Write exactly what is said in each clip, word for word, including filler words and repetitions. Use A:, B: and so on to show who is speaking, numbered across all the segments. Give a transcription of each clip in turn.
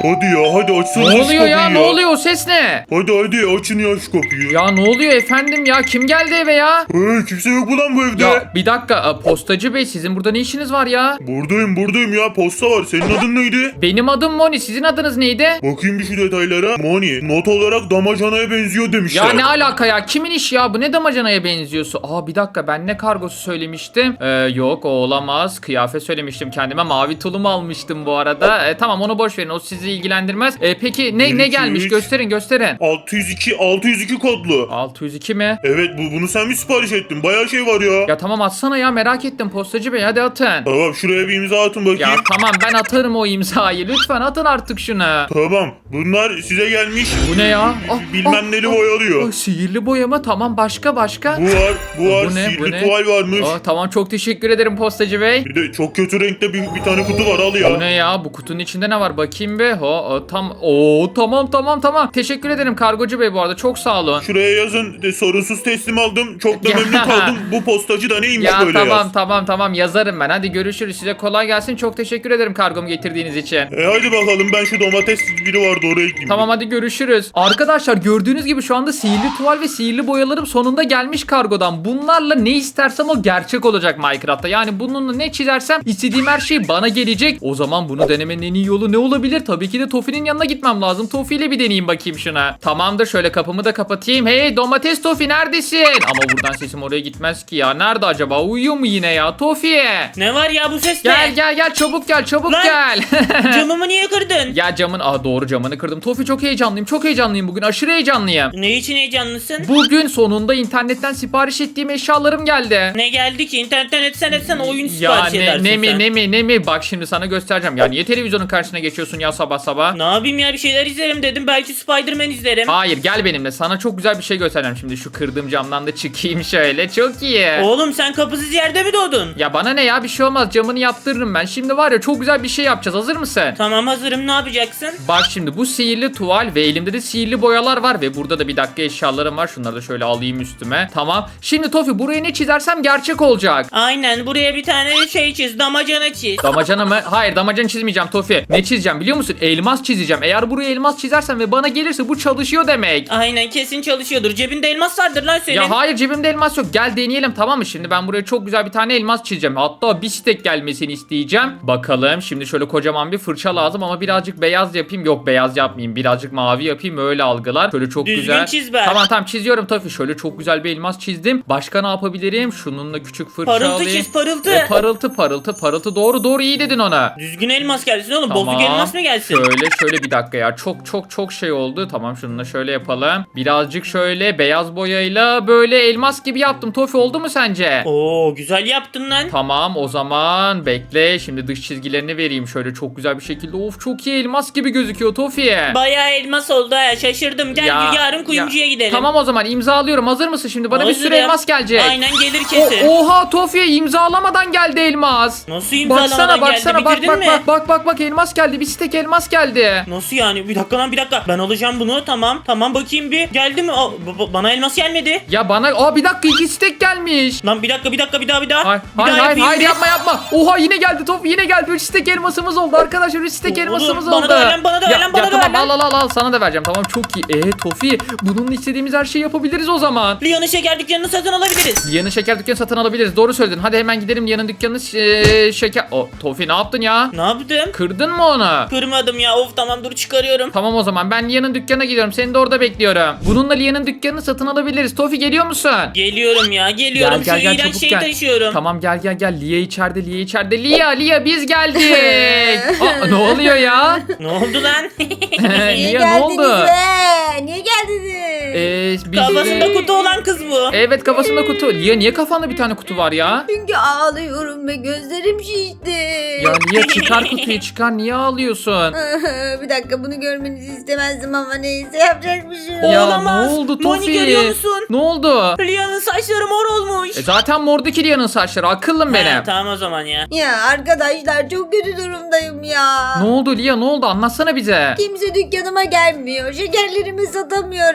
A: Hadi ya hadi açsana
B: Ne
A: şu
B: oluyor ya?
A: kapıyı
B: Ne oluyor? O ses ne?
A: Hadi hadi açın ya şu kapıyı.
B: Ya ne oluyor efendim ya? Kim geldi eve ya?
A: Hey, kimse yok mu lan bu evde?
B: Ya bir dakika, a, postacı bey, sizin burada ne işiniz var ya?
A: Buradayım buradayım ya, posta var. Senin adın neydi?
B: Benim adım Moni, sizin adınız neydi?
A: Bakayım bir şu detaylara. Moni not olarak damacanaya benziyor demişler.
B: Ya ne alaka ya? Kimin işi ya? Bu ne damacanaya benziyorsun? Aa bir dakika, ben ne kargosu söylemiştim? Ee, yok o olamaz. Kıyafet söylemiştim kendime. Mavi tulumu almıştım bu arada. Ee, tamam onu boş verin. O sizi ilgilendirmez. Ee, peki ne
A: Bir,
B: ne
A: iki,
B: gelmiş?
A: üç.
B: Gösterin gösterin.
A: altı yüz iki altı yüz iki kodlu.
B: altı yüz iki mi?
A: Evet bu bunu sen mi sipariş ettin? Bayağı şey var ya.
B: Ya tamam atsana ya, merak ettim postacı bey, hadi atın.
A: Tamam şuraya bir imza atın bakayım.
B: Ya tamam ben atarım o imzayı. Lütfen atın artık şunu.
A: Tamam. Bunlar size gelmiş.
B: Bu ne ya? Ah,
A: Bilmem
B: ah,
A: neli
B: ah,
A: boyalıyor.
B: ah, Sihirli boyama, tamam, başka başka.
A: Bu var, bu var.
B: Bu ne, bu
A: Sihirli
B: ne?
A: tuval varmış.
B: Aa, tamam çok teşekkür ederim postacı bey.
A: Bir de çok kötü renkte bir, bir tane kutu var, al ya.
B: Bu ne ya? Bu kutunun içinde ne var? Bakayım be. Ha, o, tam. Oo tamam tamam tamam. Teşekkür ederim kargocu bey bu arada. Çok sağ olun.
A: Şuraya yazın de, sorunsuz teslim aldım. Çok da
B: Ya.
A: memnun kaldım. Bu postacı da neymiş
B: Ya
A: böyle
B: tamam
A: yaz.
B: tamam tamam yazarım ben. Hadi görüşürüz. Size kolay gelsin. Çok teşekkür ederim kargomu getirdiğiniz için.
A: E hadi bakalım, ben şu domates biri vardı oraya gideyim.
B: Tamam hadi görüşürüz. Arkadaşlar gördüğünüz gibi şu anda sihirli tuval ve sihirli boyalarım sonunda gelmiş kargodan. Bunlarla ne istersem o gerçek olacak Minecraft'ta. Yani bununla ne çizersem istediğim her şey bana gelecek. O zaman bunu denemenin en iyi yolu ne olabilir? Tabii ki de Tofi'nin yanına gitmem lazım. Tofi ile bir deneyeyim bakayım şuna. Tamamdır, şöyle kapımı da kapatayım. Hey domates Tofi neredesin? Ama buradan sesim oraya gitmez ki ya. Nerede acaba? Uyuyor mu yine ya? Tofi.
C: Ne var ya bu ses
B: Gel
C: ne?
B: gel gel çabuk gel çabuk
C: Lan!
B: gel.
C: Camımı niye kırdın?
B: Ya camın, aa doğru camını kırdım. Tofi çok heyecanlıyım. Çok heyecanlıyım bugün. Aşırı heyecanlıyım.
C: Ne için heyecanlısın?
B: Bugün sonunda internetten sipariş ettiğim eşyalarım geldi.
C: Ne geldi ki? İnternetten etsen etsen oyun
B: Ya
C: sipariş
B: ne,
C: edersin
B: ne mi
C: sen.
B: ne mi ne mi, bak şimdi sana göstereceğim. Ya niye televizyonun karşısına geçiyorsun ya sabah sabah?
C: Ne yapayım ya, bir şeyler izlerim dedim. Belki Spider-Man izlerim.
B: Hayır gel benimle, sana çok güzel bir şey göstereceğim. Şimdi şu kırdığım camdan da çıkayım şöyle, çok iyi.
C: Oğlum sen kapısız yerde mi doğdun?
B: Ya bana ne ya, bir şey olmaz, camını yaptırırım ben. Şimdi var ya çok güzel bir şey yapacağız, hazır mısın?
C: Tamam hazırım, ne yapacaksın?
B: Bak şimdi bu sihirli tuval ve elimde de sihirli boyalar var ve burada da bir dakika eşyalarım var. Şunları da şöyle alayım üstüme. Tamam. Şimdi Tofi buraya ne çizersem gerçek olacak.
C: Aynen, buraya bir tane şey çiz, damacana çiz.
B: Damacana mı? Hayır damacana çizmeyeceğim Tofi. Ne çizeceğim biliyor musun? Elmas çizeceğim. Eğer buraya elmas çizersen ve bana gelirse bu çalışıyor demek.
C: Aynen, kesin çalışıyordur. Cebinde elmas vardır lan senin.
B: Ya hayır cebimde elmas yok. Gel deneyelim tamam mı? Şimdi ben buraya çok güzel bir tane elmas çizeceğim. Hatta bir stek gelmesini isteyeceğim. Bakalım şimdi şöyle kocaman bir fırça lazım ama birazcık beyaz yapayım. Yok beyaz yapmayayım. Birazcık mavi yapayım. Öyle algılar. Şöyle çok
C: Düzgün
B: güzel.
C: çiz be.
B: Tamam tamam çiziyorum Tofi. Şöyle çok güzel bir elmas çizdim. Başka ne yapabilirim? Şununla küçük fırça
C: Parıltı
B: alayım.
C: çiz, parıltı.
B: E, parıltı parıltı parıltı. Doğru doğru iyi dedin ona.
C: Düzgün elmas gelsin oğlum. Bozuk elmas mı gelsin?
B: Şöyle şöyle bir dakika ya. Çok çok çok şey oldu. Tamam şununla şöyle yapalım. Birazcık şöyle beyaz boyayla böyle elmas gibi yaptım. Tofi oldu mu sence?
C: Oo güzel yaptın lan.
B: Tamam o zaman bekle. Şimdi dış çizgilerini vereyim şöyle çok güzel bir şekilde. Of çok iyi elmas gibi gözüküyor Tofi.
C: Bayağı elmas oldu ha, şaşırdım. Gel
B: Ya,
C: yarın kuyumcuya
B: ya.
C: gidelim.
B: Tamam o zaman imzalıyorum. Hazır mısın şimdi? Bana bir sürü
C: Hazırım.
B: elmas gelecek.
C: Aynen gelir kesin.
B: O, oha Tofi imzalamadan geldi elmas.
C: Nasıl imzalamadan
B: Baksana
C: geldi?
B: baksana bak
C: Bitirdin
B: bak
C: mi?
B: bak bak bak bak elmas geldi. Bir stek elmas geldi.
C: Nasıl yani? Bir dakika lan, bir dakika. Ben alacağım bunu. Tamam. Tamam bakayım bir. Geldi mi? Aa, b- b- bana elmas gelmedi.
B: Ya bana aa bir dakika iki stek gelmiş.
C: Lan bir dakika bir dakika bir daha bir daha.
B: Hayır
C: bir
B: hayır
C: daha
B: hayır,
C: yapayım
B: hayır
C: bir.
B: yapma yapma. Oha yine geldi top yine geldi. üç stek elmasımız oldu arkadaşlar. üç stek
C: Oğlum,
B: elmasımız
C: bana
B: oldu.
C: da ver lan, bana da ver
B: Ya-
C: lan, bana
B: ya
C: da ver
B: tamam,
C: lan.
B: al al al al sana da vereceğim. Tamam çok iyi. Eee Tofi bununla istediğimiz her şeyi yapabiliriz o zaman.
C: Lia'nın şeker dükkanını satın alabiliriz.
B: Lia'nın şeker dükkanı satın alabiliriz. Doğru söyledin. Hadi hemen gidelim Lia'nın dükkanını eee, şeker. O Tofi ne yaptın ya?
C: Ne yaptım?
B: Kırdın mı onu?
C: Kırmadım ya. Of tamam, dur çıkarıyorum.
B: Tamam o zaman ben Lia'nın dükkanına gidiyorum. Seni de orada bekliyorum. Bununla Lia'nın dükkanını satın alabiliriz. Tofi geliyor musun?
C: Geliyorum ya, geliyorum.
B: Gel, gel,
C: Şu
B: gel,
C: iğrenç
B: çabuk
C: şeyi
B: gel.
C: taşıyorum.
B: Tamam gel gel gel. Lia içeride, Lia içeride. Lia, Lia biz geldik. Aa, ne oluyor ya?
C: Ne oldu lan?
D: Niye
B: Lia ne
D: geldiniz
B: oldu?
D: be? Niye geldiniz?
B: Ee, biz
C: Kafasında
B: de-
C: kutu olan kız bu.
B: Evet kafasında kutu. Lia niye kafanda bir tane kutu var ya?
D: Çünkü ağlıyorum ve gözlerim şişti.
B: Ya Lia çıkar kutuyu çıkar. Niye ağlıyorsun?
D: Bir dakika, bunu görmenizi istemezdim ama neyse, yapacak bir şey yok.
B: Ya
C: Olamaz.
B: ne oldu
C: Moni
B: Tofi?
C: görüyor musun?
B: Ne oldu?
C: Lia'nın saçları mor olmuş.
B: E zaten mordaki Lia'nın saçları. Akıllım
C: Ha,
B: benim.
C: tamam o zaman ya.
D: Ya arkadaşlar, çok kötü durumdayım ya.
B: Ne oldu Lia ne oldu? Anlatsana bize.
D: Kimse dükkanıma gelmiyor. Şekerlerimi satamıyorum. Bakın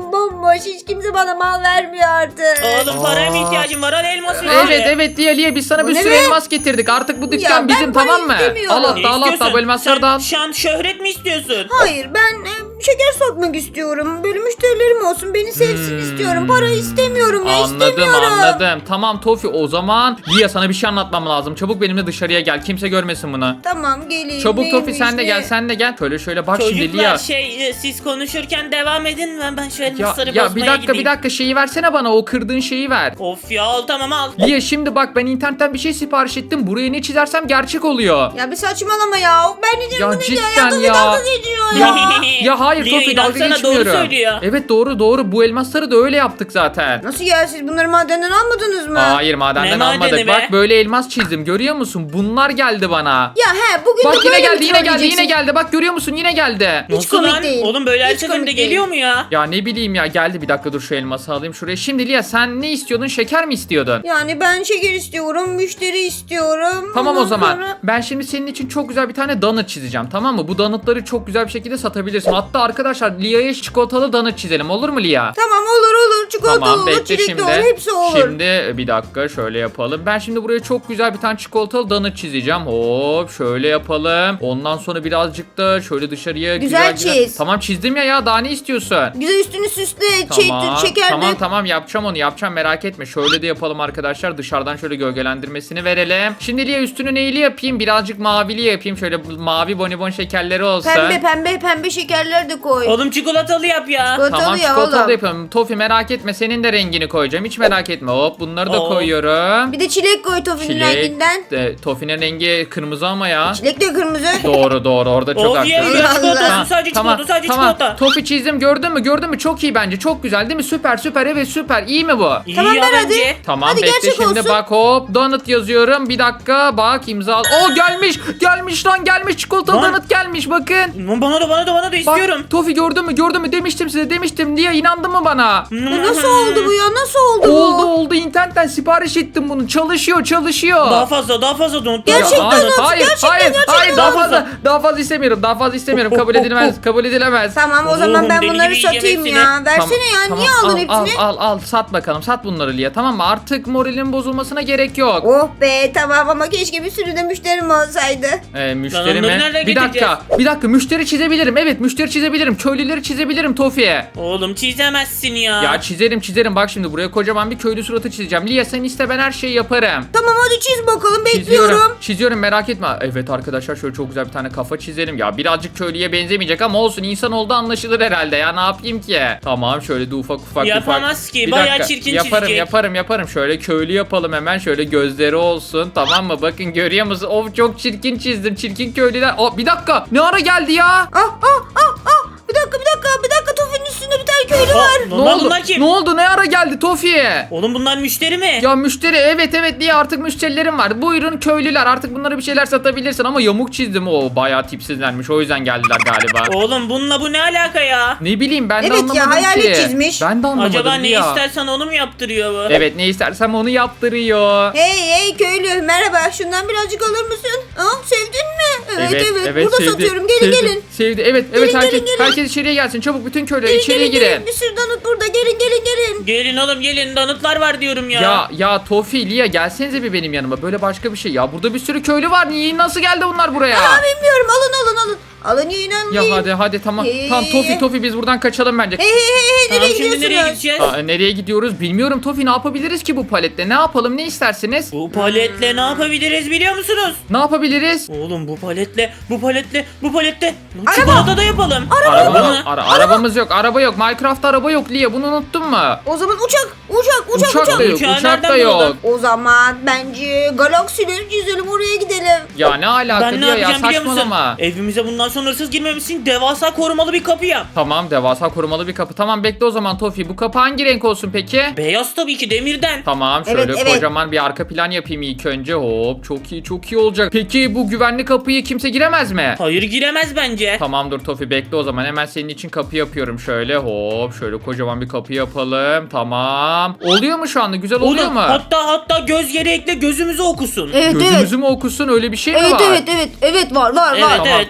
D: Elim bomboş. Hiç kimse bana mal vermiyor artık.
C: Oğlum paraya mı
B: Aa.
C: ihtiyacın var? Al elması.
B: Evet evet Lia Lia biz sana
D: Bu
B: bir
D: ne
B: sürü
D: be?
B: elmas getirdik. Artık bu dükkan
D: Ya ben
B: bizim
D: para
B: tamam mı?
D: istemiyorum.
B: Al
C: Ne
B: hatta al hatta
C: istiyorsun?
B: bu elmasları da al.
C: Sen şan şöhret mi istiyorsun?
D: Hayır ben e, şeker satmak istiyorum. Böyle müşterilerim olsun. Beni sevsin
B: Hmm.
D: istiyorum. Para istemiyorum ya
B: Anladım
D: istemiyorum.
B: anladım. Tamam Tofi o zaman Lia sana bir şey anlatmam lazım. Çabuk benimle dışarıya gel. Kimse görmesin bunu.
D: Tamam geleyim.
B: Çabuk Tofi
D: Neymiş,
B: sen de
D: ne?
B: gel sen de gel. Şöyle şöyle bak şimdi
C: Çocuklar
B: Lia.
C: şey e, siz konuşurken devam edin. Ben, ben şu
B: Ya,
C: elmasları
B: ya bir
C: bozmaya
B: dakika
C: gideyim.
B: bir dakika şeyi versene bana o kırdığın şeyi ver.
C: Of ya al tamam al.
B: Lia şimdi bak ben internetten bir şey sipariş ettim. Buraya ne çizersem gerçek oluyor.
D: Ya bir saçmalama ya. Ben ne diyorum
B: Ya
D: bu ne
B: cidden
D: ya?
B: ya.
D: Dalga geçiyor ya.
B: Ya, ya hayır
C: Lia,
B: Tofi dalga
C: inansana,
B: geçmiyorum.
C: doğru söylüyor.
B: Evet doğru doğru bu elmasları da öyle yaptık zaten.
D: Nasıl ya siz bunları madenden almadınız mı?
B: Hayır madenden
C: Ne
B: almadık.
C: madeni be?
B: Bak böyle elmas çizdim görüyor musun? Bunlar geldi bana.
D: Ya he bugün
B: Bak
D: de
B: yine
D: böyle
B: geldi
D: mi
B: yine geldi yine
D: trolleyeceksin?
B: geldi. Bak görüyor musun yine geldi.
D: Hiç
C: Nasıl
D: komik
C: lan?
D: değil.
C: Oğlum böyle her
D: Hiç
C: seferinde
D: komik
C: geliyor
D: değil.
C: mu ya?
B: Ya ne bileyim ya geldi bir dakika dur şu elması alayım şuraya. Şimdi Lia sen ne istiyordun şeker mi istiyordun?
D: Yani ben şeker istiyorum, müşteri istiyorum.
B: Tamam o
D: Ondan
B: zaman.
D: sonra-
B: Ben şimdi senin için çok güzel bir tane donut çizeceğim tamam mı? Bu donutları çok güzel bir şekilde satabilirsin. Hatta arkadaşlar Lia'ya çikolatalı donut çizelim olur mu Lia?
D: Tamam olur olur. Çikolata
B: Tamam
D: olur,
B: bekle
D: çilekli
B: şimdi.
D: olur, hepsi olur.
B: Şimdi bir dakika şöyle yapalım. Ben şimdi buraya çok güzel bir tane çikolatalı donut çizeceğim. Hop şöyle yapalım. Ondan sonra birazcık da şöyle dışarıya
D: Güzel
B: güzel
D: çiz.
B: Tamam çizdim ya ya daha ne istiyorsun?
D: Güzel üstünü süsle,
B: Tamam,
D: şey, şeker
B: tamam
D: de.
B: tamam yapacağım onu yapacağım merak etme. Şöyle de yapalım arkadaşlar dışarıdan şöyle gölgelendirmesini verelim. Şimdi Lia üstünü neyli yapayım birazcık mavili yapayım. Şöyle mavi bonibon şekerleri olsun.
D: Pembe pembe pembe şekerler de koy.
C: Oğlum çikolatalı yap ya.
D: Çikolatalı
B: Tamam
D: ya
B: çikolatalı
D: oğlum.
B: yapıyorum. Tofi merak etme senin de rengini koyacağım. Hiç merak etme. Hop bunları da
C: Oo.
B: koyuyorum.
D: Bir de çilek koy Tofi'nin renginden.
B: De, Tofi'nin rengi kırmızı ama ya.
D: Çilek de kırmızı.
B: Doğru doğru orada çok
C: Of ye
B: haklısın.
C: ye
D: Allah
C: çikolata
D: Allah.
C: sadece
B: Tamam,
C: çikolata sadece
B: tamam.
C: çikolata.
B: Tofi çizdim gördün mü gördün mü çok iyi bence çok güzel değil mi süper süper evet süper iyi mi bu?
C: İyi
D: Tamam,
C: ya
D: ver hadi.
C: bence.
B: Tamam
D: Hadi
B: bekle
D: gerçek
B: şimdi
D: olsun.
B: bak hop donut yazıyorum bir dakika bak imza al. Oo gelmiş gelmiş lan gelmiş çikolatalı
C: Lan.
B: donut gelmiş bakın.
C: Lan Bana da bana da bana da istiyorum.
B: Bak Tofi gördün mü gördün mü demiştim size demiştim diye inandın mı bana?
D: Ya nasıl oldu bu ya? Nasıl oldu bu?
B: Oldu oldu internetten sipariş ettim bunu çalışıyor çalışıyor.
C: Daha fazla daha fazla donut.
B: Ya,
D: Gerçekten
B: hayır,
D: nasıl?
B: hayır,
D: Gerçekten,
B: hayır,
D: gerçekten
B: hayır, daha
C: nasıl?
B: fazla, daha fazla istemiyorum, daha fazla istemiyorum, kabul edilmez, kabul edilemez.
D: Tamam o
C: Oğlum,
D: zaman ben
C: deli
D: bunları
C: gibi yiyeceğim
D: satayım
C: hepsini.
D: ya. Versene ya.
B: Tamam,
D: Niye
B: al,
D: aldın hepsini?
B: Al, al, al, sat bakalım, sat bunları Lia, tamam mı? Artık moralin bozulmasına gerek yok.
D: Oh be tamam ama keşke bir sürü de müşterim olsaydı.
B: Ee, müşteri
C: Lan onları
B: mi?
C: nereden
B: Bir dakika, bir dakika, müşteri çizebilirim, evet müşteri çizebilirim, köylüleri çizebilirim Tofi'ye.
C: Oğlum çizemezsin ya.
B: Ya çizerim çizerim, bak şimdi buraya kocaman bir köylü suratı çizeceğim. Lia sen iste ben her şeyi yaparım.
D: Tamam hadi çiz bakalım
B: Çiziyorum.
D: bekliyorum.
B: Çiziyorum merak etme. Evet arkadaşlar şöyle çok güzel bir tane kafa çizelim. Ya birazcık köylüye benzemeyecek ama olsun insan oldu anlaşılır herhalde ya ne yapayım ki. Tamam şöyle de ufak ufak
C: Yapamaz
B: ufak.
C: ki,
B: Bir
C: bayağı
B: dakika,
C: çirkin
B: yaparım,
C: çizecek.
B: Yaparım yaparım şöyle köylü yapalım hemen şöyle gözleri olsun tamam mı? Bakın görüyor musun? Of çok çirkin çizdim çirkin köylüler. Oh, bir dakika ne ara geldi ya?
D: Ah ah ah ah. Bir dakika bir dakika bir dakika Tofi'nin üstünde bir tane köylü
C: Aa,
D: var.
B: Ne
C: lan
B: oldu?
C: bunlar kim?
B: Ne oldu? Ne ara geldi Tofi'ye?
C: Oğlum bunlar müşteri mi?
B: Ya müşteri evet evet diye artık müşterilerim var. Buyurun köylüler artık bunlara bir şeyler satabilirsin ama yamuk çizdim o bayağı tipsizlenmiş o yüzden geldiler galiba.
C: Oğlum bununla bu ne alaka ya?
B: Ne bileyim ben de
D: Evet ya,
B: anlamadım
D: hayalet
B: ki.
D: çizmiş.
B: Ben de anlamadım
C: Acaba ne
B: ya.
C: istersen onu mu yaptırıyor bu?
B: Evet ne istersem onu yaptırıyor.
D: Hey hey köylü merhaba şundan birazcık alır mısın? Ah sevdin mi? Evet evet, burada
B: sevdi,
D: satıyorum gelin
B: sevdi,
D: gelin.
B: Sevdi evet evet
D: Gelin,
B: herkes,
D: gelin, gelin.
B: herkes içeriye gelsin çabuk bütün köylüler
D: Gelin
B: içeriye
D: gelin
B: girin.
D: gelin bir sürü donut burada gelin gelin gelin.
C: Gelin oğlum gelin donutlar var diyorum ya.
B: Ya ya Tofi, Lia gelsenize bir benim yanıma. Böyle başka bir şey. Ya burada bir sürü köylü var. Niye nasıl geldi bunlar buraya?
D: Aa bilmiyorum alın alın alın. Alın yiyin alın
B: Ya
D: yiyin.
B: hadi hadi tamam.
D: Ee?
B: Tamam Tofi Tofi biz buradan kaçalım bence.
D: Hey hey hey hey
C: Tamam
D: nereye
C: şimdi nereye
D: gidiyorsunuz?
C: gideceğiz?
B: Aa, nereye gidiyoruz bilmiyorum Tofi ne yapabiliriz ki bu paletle? Ne yapalım ne istersiniz?
C: Bu paletle ne yapabiliriz biliyor musunuz?
B: Ne yapabiliriz?
C: Oğlum bu paletle, bu paletle, bu paletle Lan
D: Araba.
C: çikolata da yapalım.
B: Araba,
C: mı?
B: ara- arabamız yok araba yok. Minecraft'ta araba yok Lia bunu unuttun mu?
D: O zaman uçak uçak uçak uçak.
B: Uçak da yok
C: Uçağı
B: uçak da
C: nereden
B: yok.
C: buldun?
D: O zaman bence galaksileri çizelim oraya gidelim.
B: Ya ne alaka
C: Ben ne
B: Lia ya
C: yapacağım biliyor musun?
B: saçmalama.
C: Evimize bundan sonra hırsız girmemişsin. Devasa korumalı bir kapı yap.
B: Tamam devasa korumalı bir kapı. Tamam bekle o zaman Tofi. Bu kapı hangi renk olsun peki?
C: Beyaz tabii ki demirden.
B: Tamam şöyle
D: Evet, evet.
B: kocaman bir arka plan yapayım ilk önce. Hop çok iyi çok iyi olacak. Peki bu güvenli kapıyı kimse giremez mi?
C: Hayır giremez bence.
B: Tamamdır Tofi bekle o zaman hemen senin için kapı yapıyorum şöyle hop şöyle kocaman bir kapı yapalım tamam. Oluyor mu şu anda güzel oluyor
C: Oğlum,
B: mu?
C: hatta hatta göz yere ekle gözümüzü okusun.
D: Evet
B: Gözümüzü
D: evet.
B: mü okusun öyle bir şey mi
D: Evet
B: var?
D: evet evet evet var var
C: Evet,
D: var.
B: Tamam
C: evet,
B: tamam
C: evet,
B: bekle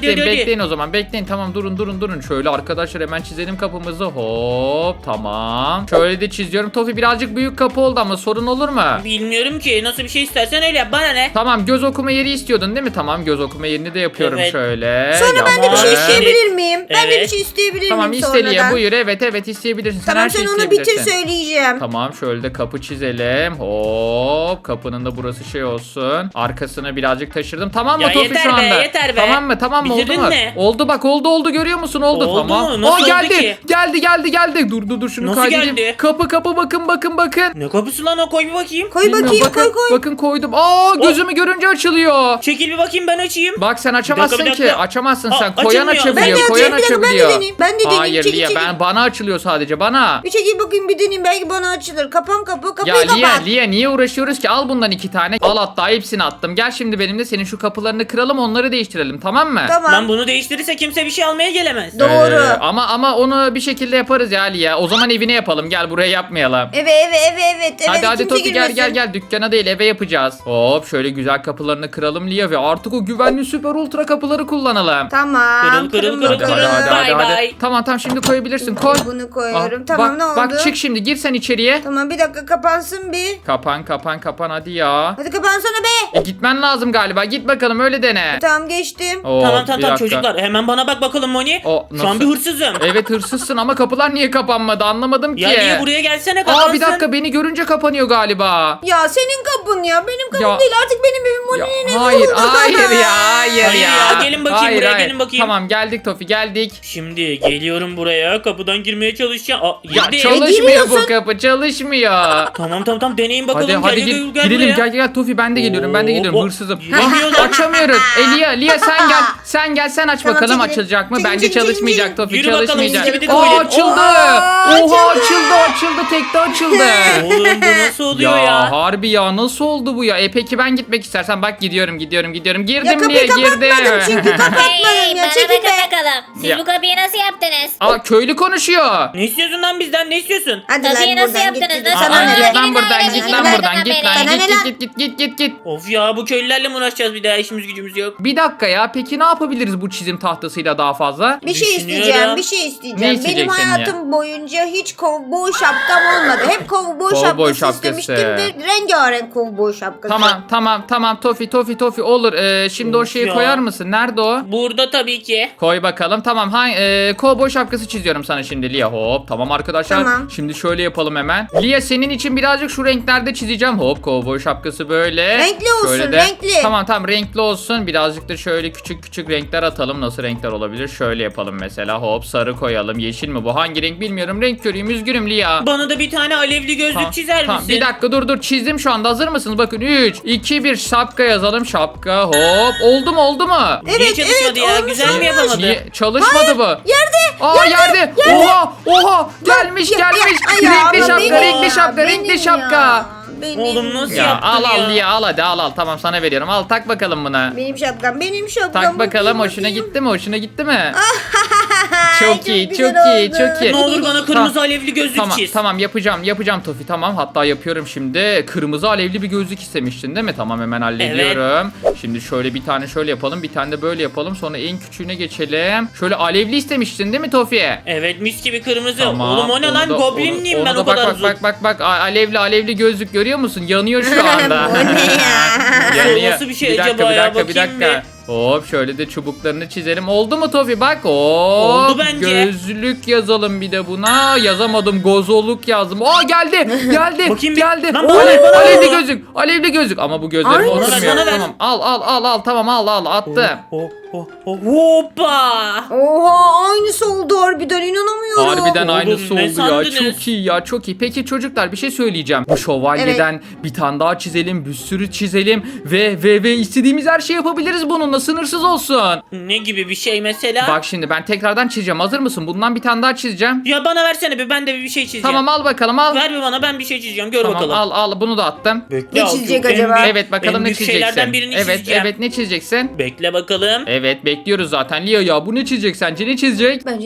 B: bekleyin
C: hadi, hadi.
B: bekleyin o zaman bekleyin tamam durun durun durun. Şöyle arkadaşlar hemen çizelim kapımızı hop tamam. Şöyle de çiziyorum. Tofi birazcık büyük kapı oldu ama sorun olur mu?
C: Bilmiyorum ki nasıl bir şey istersen öyle yap, bana ne?
B: Tamam göz okuma yeri istiyordun değil mi? Tamam göz okuma yerini de yapıyorum
C: Evet.
B: şöyle.
D: Sonra ben de bir şey
C: Yapma.
D: isteyebilir miyim? Ben de bir
C: Evet.
D: şey isteyebilir
B: Tamam
D: miyim
B: iste Liye
D: sonradan?
B: buyur evet evet isteyebilirsin. Sen
D: Tamam
B: her şeyi
D: sen onu bitir
B: isteyebilirsin.
D: söyleyeceğim.
B: Tamam şöyle de kapı çizelim. Hop kapının da burası şey olsun. Arkasını birazcık taşırdım. Tamam mı
C: Ya
B: Tofi
C: yeter
B: şu
C: be,
B: anda?
C: yeter be.
B: Tamam mı? Tamam mı? Oldu
C: Bitirdin
B: mu?
C: mi?
B: Oldu bak oldu oldu görüyor musun? Oldu,
C: Oldu
B: tamam.
C: mu? Nasıl
B: Aa,
C: oldu
B: geldi.
C: ki?
B: Geldi geldi geldi. Dur dur dur şunu
C: Nasıl
B: kaydedeyim.
C: geldi?
B: Kapı kapı bakın bakın bakın.
C: Ne kapısı lan o, koy bir bakayım.
D: Koy
B: Bilmiyorum,
D: bakayım
B: bakın,
D: koy koy.
B: Bakın koydum. Aa gözümü görünce açılıyor.
C: Çekil bir bakayım, ben açayım.
B: Bak sen açamazsın
C: Bir dakika, bir
B: ki.
C: dakika.
B: Açamazsın
C: Aa,
B: sen. Koyan
C: açılmıyor.
B: açabiliyor.
D: Ben de
B: Koyan
D: açayım, bir dakika, ben de
B: açabiliyor.
D: deneyeyim, ben de deneyeyim.
B: Hayır
D: Çekil,
B: Liye
D: çekil.
B: ben bana açılıyor sadece bana.
D: Bir çekil bakayım bir deneyeyim belki bana açılır. Kapan kapı kapıyı
B: Ya Liye
D: kapat.
B: Liye niye uğraşıyoruz ki? Al bundan iki tane. Al hatta hepsini attım. Gel şimdi benimle senin şu kapılarını kıralım onları değiştirelim tamam mı?
D: Tamam.
C: Lan bunu değiştirirse kimse bir şey almaya gelemez.
D: Doğru.
B: Ee, ama ama onu bir şekilde yaparız ya Liye. O zaman evine yapalım. Gel buraya yapmayalım.
D: Evet evet evet evet. evet
B: hadi hadi
D: kimse
B: Tofi gel
D: girmesin.
B: gel gel dükkana değil eve yapacağız. Hop şöyle güzel kapılarını kıralım Liye ve artık o güvenli süper ultra kapıları kullanalım.
D: Tamam.
C: Kırıl, kırıl,
D: kırın
C: kırıl,
B: Hadi
D: bakalım.
B: hadi hadi
C: Bye
B: hadi, hadi.
C: bye.
B: Tamam tamam şimdi koyabilirsin koy.
D: Bunu koyuyorum.
B: Aa,
D: Tamam
B: bak,
D: ne oldu?
B: Bak çık şimdi gir sen içeriye.
D: Tamam bir dakika kapansın bir.
B: Kapan kapan kapan hadi ya.
D: Hadi kapansana be.
B: E, gitmen lazım galiba git bakalım öyle dene.
D: Tamam geçtim.
B: Oo,
C: Tamam
B: bir
C: tamam tamam
B: dakika.
C: çocuklar, hemen bana bak bakalım Moni.
B: O,
C: Şu
B: nasıl?
C: an bir hırsızım.
B: Evet hırsızsın ama kapılar niye kapanmadı anlamadım ki.
C: Ya niye buraya gelsene, kapansın.
B: Aa bir dakika beni görünce kapanıyor galiba.
D: Ya senin kapın ya. Benim kapım
B: Ya-
D: değil artık benim evim.
B: Ya,
D: Moni'nin evi
B: hayır
D: oldu.
B: hayır ya hayır,
C: Hayır
B: ya.
C: ya, gelin bakayım
B: Hayır,
C: buraya,
B: hayır.
C: gelin bakayım.
B: Tamam geldik Tofi geldik.
C: Şimdi geliyorum buraya, kapıdan girmeye çalışacağım. Aa,
B: Ya
C: girdi.
B: çalışmıyor bu
D: giriyorsun.
B: kapı çalışmıyor.
C: Tamam tamam tamam deneyin bakalım.
B: Hadi
C: gel,
B: hadi
C: gel,
B: gir,
C: gel
B: girelim
C: buraya.
B: gel gel Tofi ben de geliyorum ben de
C: Oo,
B: geliyorum
C: o-
B: hırsızım.
C: giremiyor
B: Ah,
C: lan.
B: açamıyoruz. E Lia, Lia sen gel. Sen gel sen aç
D: Tamam,
B: bakalım
D: çekilin.
B: açılacak mı?
D: Çekilin,
B: Bence
D: çekilin,
B: çalışmayacak
D: çekilin.
B: Tofi
C: Yürü bakalım,
B: çalışmayacak.
C: skibidi
B: Aa
C: tuvalet.
B: açıldı.
D: Oha,
B: Oha
D: açıldı.
B: açıldı açıldı tekte açıldı.
C: Oğlum bu nasıl oluyor
B: Ya,
C: ya?
B: harbi ya nasıl oldu bu ya? E peki ben gitmek istersen bak gidiyorum gidiyorum gidiyorum.
D: Ya
B: Girdim
D: kapıyı
B: diye girdim.
D: kapatmadım çünkü kapatmadım
E: Hey,
D: ya.
E: bana
D: Çekil
E: bakın
D: be.
E: bakalım. Siz
B: Ya.
E: bu kapıyı nasıl yaptınız?
B: Aa köylü konuşuyor.
C: Ne istiyorsun lan bizden, ne istiyorsun?
D: Hadi
E: Kapıyı
D: lan
E: nasıl
D: buradan git.
E: yaptınız?
D: git.
E: Nasıl
D: Sana
B: Aa,
D: ne
B: git
D: be?
B: lan buradan git lan
E: Bana
B: buradan
E: ne
B: git
E: lan?
B: lan
D: Bana ne
B: git
D: lan?
B: git git git git git.
C: Of ya, bu köylülerle mi uğraşacağız bir daha, işimiz gücümüz yok.
B: Bir dakika ya peki ne yapabiliriz bu çizim tahtasıyla daha fazla?
D: Bir şey
C: Düşünüyorum.
D: isteyeceğim, bir şey isteyeceğim.
B: Ne
D: Benim
B: isteyeceksin ya?
D: hayatım boyunca hiç kovboy şapkam olmadı. Hep kovboy
B: Kovboy
D: şapkası,
B: şapkası.
D: istemiştim ve rengarenk kovboy şapkası.
B: Tamam tamam tamam Tofi Tofi Tofi olur. Ee, şimdi o
C: Of
B: şeyi
C: ya.
B: koyar mısın? Nerede o?
C: Burada tabii ki.
B: Koy bakalım. Tamam. Ha, e, kovboy şapkası çiziyorum sana şimdi Lia. Hop. Tamam arkadaşlar.
D: Tamam.
B: Şimdi şöyle yapalım hemen. Lia senin için birazcık şu renklerde çizeceğim. Hop kovboy şapkası böyle.
D: Renkli olsun,
B: Şöyle de-
D: renkli.
B: Tamam tamam renkli olsun. Birazcık da şöyle küçük küçük renkler atalım. Nasıl renkler olabilir? Şöyle yapalım mesela. Hop sarı koyalım. Yeşil mi bu? Hangi renk bilmiyorum. Renk körüyüm. Üzgünüm Lia.
C: Bana da bir tane alevli gözlük
B: Tamam,
C: çizer
B: tamam.
C: misin?
B: Bir dakika dur dur çizdim şu anda hazır mısınız? Bakın üç, iki, bir şapka yazalım şapka hop oldu mu oldu mu?
C: Niye
D: Evet,
C: çalışmadı
D: evet,
C: ya?
D: olmuş,
C: Güzel mi
D: olmuş.
C: yapamadı?
B: Niye? Çalışmadı bu.
D: Yerde,
B: Aa yerde, oha oha gelmiş
D: Ya, ya,
B: gelmiş
D: ay ya,
B: renkli
D: ama
B: şapka
D: benim
B: renkli
D: ya,
B: şapka
D: benim
B: renkli
D: ya,
B: şapka.
D: Benim.
C: Oğlum nasıl
B: Ya
C: yaptın
B: al al
C: ya?
B: Lia al hadi al al tamam sana veriyorum al tak bakalım buna.
D: Benim şapkam, benim şapkam.
B: Tak bakalım
D: Bakayım,
B: hoşuna
D: bakayım.
B: gitti mi hoşuna gitti mi?
D: Çok
B: Çok iyi çok
D: güzel
B: iyi
D: oldu.
B: çok iyi.
C: Ne olur bana kırmızı
B: Tamam.
C: alevli gözlük
B: Tamam
C: çiz.
B: tamam yapacağım yapacağım Tofi tamam hatta yapıyorum şimdi kırmızı alevli bir gözlük istemiştin değil mi tamam hemen hallediyorum. Şimdi şöyle bir tane şöyle yapalım bir tane de böyle yapalım sonra en küçüğüne geçelim. Şöyle alevli istemiştin değil mi Tofi?
C: Evet, mis gibi kırmızı.
B: Tamam.
C: Oğlum o ne
B: onu
C: lan?
B: da-
C: Goblin miyim
B: onu-
C: ben
B: onu
C: o
B: da
C: kadar
B: bak,
C: uzun?
B: bak bak bak bak alevli alevli gözlük görüyor musun? Yanıyor şu anda.
D: Bu ne ya?
B: Yanıyor.
C: Nasıl bir şey
B: dakika,
C: acaba
B: bir
C: ya?
B: dakika, bir
C: Bakayım
B: dakika. Hop şöyle de çubuklarını çizelim. Oldu mu Tofi bak? Hop.
C: Oldu bence.
B: Gözlük yazalım bir de buna. Yazamadım. Gozoluk yazdım. Aa geldi. Geldi.
C: Bakayım bir-
B: geldi.
C: Lan
B: Oo,
C: bana ver, bana ver
B: alevli
C: bunu.
B: gözlük. Alevli gözlük. Ama bu gözlerim
D: Aynısı.
B: oturmuyor.
C: Bana ver.
B: Tamam. Al al al al. Tamam al al attım.
C: Oh, oh, oh, hoppa!
D: Oha aynısı oldu harbiden inanamıyorum.
B: Harbiden
C: Oğlum,
B: aynısı
C: ne
B: oldu ya.
C: sandınız?
B: Çok iyi ya çok iyi. Peki çocuklar bir şey söyleyeceğim. Bu şövalyeden bir tane daha çizelim. Bir sürü çizelim. Ve ve ve istediğimiz her şeyi yapabiliriz bununla. Sınırsız olsun.
C: Ne gibi bir şey mesela?
B: Bak şimdi ben tekrardan çizeceğim. Hazır mısın? Bundan bir tane daha çizeceğim.
C: Ya bana versene bir, ben de bir şey çizeceğim.
B: Tamam al bakalım al.
C: Ver bir bana, ben bir şey çizeceğim, gör
B: Tamam
C: bakalım.
B: al al bunu da attım.
C: Bekle,
D: Ne
C: al,
D: çizecek
C: en
D: acaba?
C: büyük-
B: Evet bakalım
C: en
B: ne
C: büyük
B: çizeceksin.
C: şeylerden birini
B: Evet
C: çizeceğim.
B: evet ne çizeceksin?
C: Bekle bakalım.
B: Evet bekliyoruz zaten. Lia ya bu ne çizecek sence? Ne çizecek?
D: Bence ne çizecek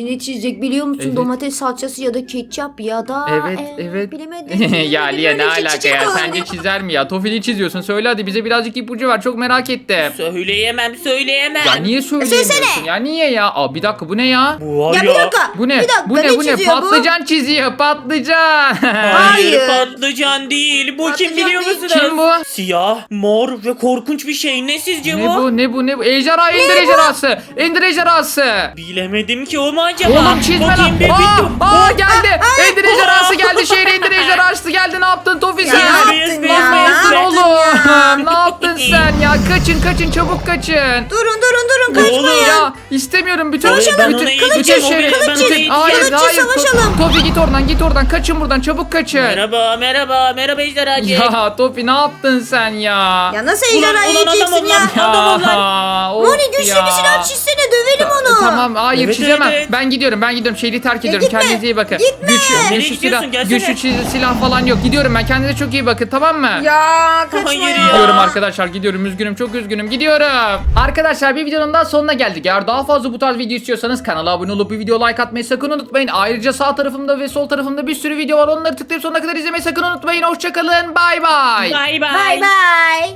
D: çizecek biliyor musun?
B: Evet.
D: Domates salçası ya da ketçap ya da
B: Evet,
D: e,
B: evet.
D: bilemedim.
B: ya Lia ne
D: Böyle
B: alaka
D: çizecek
B: ya?
D: o.
B: Sence çizer mi ya? Tofili çiziyorsun. Söyle hadi bize birazcık ipucu ver. Çok merak ettim.
C: Söyleyemem söyleyemem.
B: Ya niye söyleyemiyorsun?
D: söylesene.
B: Ya niye ya? Aa bir dakika bu ne ya?
C: Bu var
D: Ya
C: ya.
D: bir dakika.
B: Bu ne?
D: Bir dakika,
B: bu ne? Bu ne?
D: çiziyor bu?
B: Patlıcan çiziyor. Patlıcan.
C: Hayır,
D: Hayır.
C: patlıcan değil. Bu
D: Patlıcan
C: kim biliyor
D: değil.
C: musunuz?
B: Kim bu?
C: Siyah, mor ve korkunç bir şey. Ne sizce
B: ne bu? Ne bu? Ne bu? Ejderha, ender ejderhası. Ender ejderhası.
C: Bilemedim ki o mu acaba?
B: Oğlum çizme lan.
C: Bakayım bir
B: Aa,
C: bitti.
B: aa geldi. Ender ejderhası geldi. Şehre ender ejderhası geldi. Ne yaptın Tofi
D: Ya
B: sen?
D: ne
C: Beyaz,
D: yaptın
C: beyaz,
D: ya?
C: beyaz,
D: Ne
B: Dur
C: beyaz.
D: yaptın ya?
B: oğlum. ne yaptın sen ya? Kaçın kaçın çabuk kaçın.
D: Durun durun durun
C: Oğlum
D: kaçmayın.
B: Ya istemiyorum bütün
C: Savaşalım. Ben
B: bütün
C: ona
B: bütün
C: eğiteceğim, o
B: şehri.
C: beni- ben ona
B: bütün-
C: eğiteceğim.
B: Hayır
D: Kılıççı
B: hayır.
D: savaşalım.
B: Tofi git oradan git oradan. Kaçın buradan çabuk kaçın.
C: Merhaba merhaba merhaba ejderhacı.
B: Ya Tofi ne yaptın sen ya?
D: Ya nasıl
C: Ulan,
D: ejderha
C: ulan adam
D: yiyeceksin ya?
C: onlar. Adam
B: Ya, of
D: Moni güçlü
B: ya.
D: bir silah çizsene dövelim onu.
B: Tamam hayır
C: Evet,
B: çizemem.
C: evet, evet.
B: Ben gidiyorum ben gidiyorum. Şehri terk ediyorum.
D: gitme,
B: Kendinize iyi bakın.
D: gitme.
B: Güçlü,
C: Nereye
B: güçlü
C: gidiyorsun?
B: silah,
C: Gelsene.
B: güçlü çiz- silah falan yok. Gidiyorum ben. Kendinize çok iyi bakın tamam mı?
D: Ya kaçma
C: Hayır
D: ya.
C: ya.
B: Gidiyorum arkadaşlar gidiyorum üzgünüm çok üzgünüm gidiyorum. Arkadaşlar bir videonun daha sonuna geldik. Eğer daha fazla bu tarz video istiyorsanız kanala abone olup bir video like atmayı sakın unutmayın. Ayrıca sağ tarafımda ve sol tarafımda bir sürü video var. Onları tıklayıp sonuna kadar izlemeyi sakın unutmayın. Hoşçakalın bay bay.
C: Bay bay.
D: Bay bay.